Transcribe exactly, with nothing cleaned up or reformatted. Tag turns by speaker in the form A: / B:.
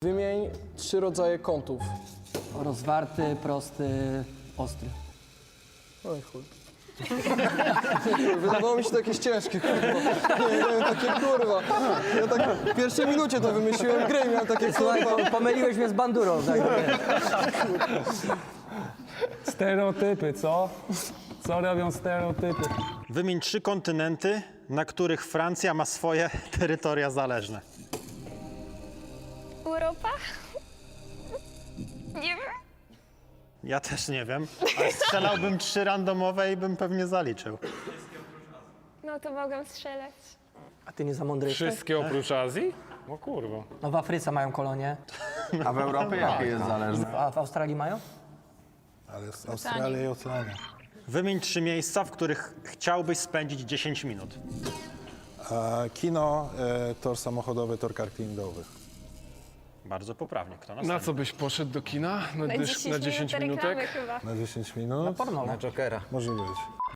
A: Wymień trzy rodzaje kątów.
B: Rozwarty, prosty, ostry.
A: Oj chuj. Wydawało mi się to jakieś ciężkie, kurwa. Nie, nie, takie kurwa. Ja tak w pierwszej minucie to wymyśliłem grę i miałem takie
B: Słuchaj,
A: kurwa.
B: po- pomyliłeś mnie z bandurą, tak?
C: Stereotypy, co? Co robią stereotypy?
D: Wymień trzy kontynenty, na których Francja ma swoje terytoria zależne.
E: Europa? Nie wiem.
D: Ja też nie wiem, ale strzelałbym trzy randomowe i bym pewnie zaliczył.
E: No to mogę strzelać.
B: A ty nie za mądry jesteś?
C: Wszystkie oprócz Azji? O kurwa.
B: No w Afryce mają kolonie.
F: A w Europie jakie jest zależne?
B: A w Australii mają?
G: Ale jest Australia i Oceania.
D: Wymień trzy miejsca, w których chciałbyś spędzić dziesięć minut.
G: A kino, e, tor samochodowy, tor kartingowy.
D: Bardzo poprawnie. Kto
C: Na
D: następny?
C: co byś poszedł do kina? Na,
E: Na
C: dysz,
E: dziesięć,
C: na dziesięć
E: minut reklamy
C: minutek?
E: chyba.
G: Na dziesięć minut?
B: Porno.
F: Na Jokera.
G: Może być.